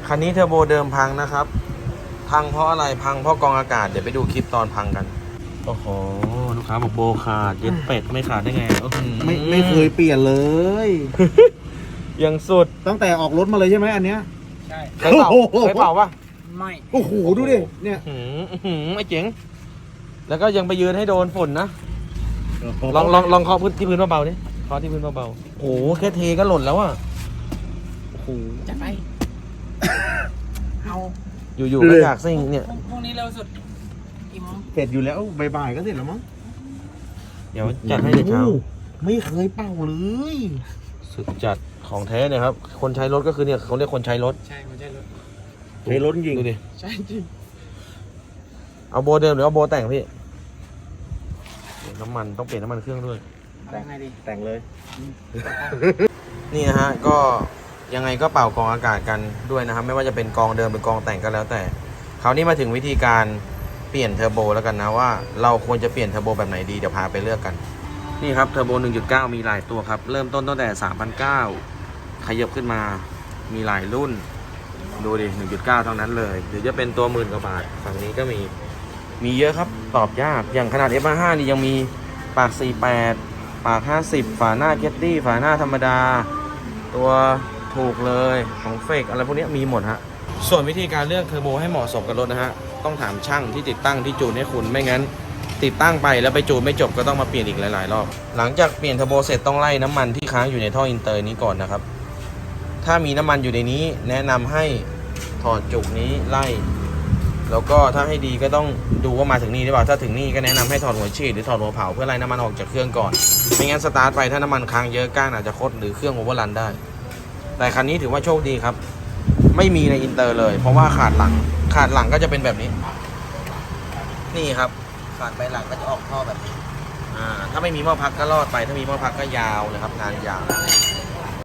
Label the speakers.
Speaker 1: คันนี้เทอร์โบเดิมพังนะครับ พังเพราะอะไรพังเพราะกองอากาศเดี๋ยวไปดูคลิปตอนพังกันโอ้โหลูกค้าบอกโบขาดเย็นเป็ดไม่ขาดได้ไง
Speaker 2: ไม่เคยเปลี่ยนเลย
Speaker 1: ยังสุด
Speaker 2: ตั้งแต่ออกรถมาเลยใช่ไหมอันเนี้ย
Speaker 3: ใช่
Speaker 1: เคยเป่าเคยเป่าปะ
Speaker 3: ไม่
Speaker 2: โอ้โหดูดิเนี่ย
Speaker 1: ไอ้เจ๋งแล้วก็ยังไปยืนให้โดนฝุ่นนะลองเคาะพื้นที่พื้นเบาๆดิเคาะที่พื้นเบาๆโอ้โหแค่เทก็หล่นแล้วอ่ะโอ้โห
Speaker 3: จัดไป เอา
Speaker 1: อยู่ๆก็อยากซิ่งเนี่ย
Speaker 3: พรุ่งนี้เร็วสุดกี่โมง
Speaker 2: เสร็จอยู่แล้วบ่ายๆก็เสร็จแล้วมั้ง
Speaker 1: เดี๋ยวจัดให้ในเช้า
Speaker 2: โอ้โหไม่เคยเป่าเลย
Speaker 1: สุดจัดของแท้เนี่ยครับคนใช้รถก็คือเนี่ยเขาเรียกคนใช้รถ
Speaker 3: ใช่ไม่ใช่รถ
Speaker 2: ใช้รถจริง
Speaker 1: ดูดิ
Speaker 3: ใช่จริง
Speaker 1: เอาโบเดิมหรือเอาโบแต่งพี่น้ำมันต้องเปลี่ยนน้ำมันเครื่องด้วย
Speaker 3: แต่งไงดี
Speaker 2: แต่งเลย
Speaker 1: นี่นะฮะก็ยังไงก็เป่ากองอากาศกันด้วยนะครับไม่ว่าจะเป็นกองเดิมหรือกองแต่งก็แล้วแต่คราวนี้มาถึงวิธีการเปลี่ยนเทอร์โบแล้วกันนะว่าเราควรจะเปลี่ยนเทอร์โบแบบไหนดีเดี๋ยวพาไปเลือกกันนี่ครับเทอร์โบ 1.9 มีหลายตัวครับเริ่มต้นตั้งแต่ 3,900 ขยับขึ้นมามีหลายรุ่นดูดิ 1.9 ทั้งนั้นเลยหรือจะเป็นตัว10,000 กว่าบาทฝั่งนี้ก็มีเยอะครับตอบยากอย่างขนาด F5 นี่ยังมีปาก 48 ปาก 50 ฝาหน้าเกตตี้ฝาหน้าธรรมดาตัวถูกเลยของเฟกอะไรพวกนี้มีหมดฮะส่วนวิธีการเลือกเทอร์โบให้เหมาะสมกับรถนะฮะต้องถามช่างที่ติดตั้งที่จูนให้คุณไม่งั้นติดตั้งไปแล้วไปจูนไม่จบก็ต้องมาเปลี่ยนอีกหลายๆรอบหลังจากเปลี่ยนเทอร์โบเสร็จต้องไล่น้ำมันที่ค้างอยู่ในท่ออินเตอร์นี้ก่อนนะครับถ้ามีน้ำมันอยู่ในนี้แนะนำให้ถอดจุกนี้ไล่แล้วก็ถ้าให้ดีก็ต้องดูว่ามาถึงนี่หรือเปล่าถ้าถึงนี่ก็แนะนำให้ถอดหัวฉีดหรือถอดหัวเผาเพื่อไล่น้ำมันออกจากเครื่องก่อนไม่งั้นสตาร์ทไปถ้าน้ำมันค้างเยอะก้านอาจจะคดหรือเครื่องโอเวอร์รันได้แต่คันนี้ถือว่าโชคดีครับไม่มีในอินเตอร์เลยเพราะว่าขาดหลังก็จะเป็นแบบนี้นี่ครับขาดไปหลังก็จะออกท่อแบบนี้ถ้าไม่มีหม้อพักก็รอดไปถ้ามีหม้อพักก็ยาวเลยครับงานยาว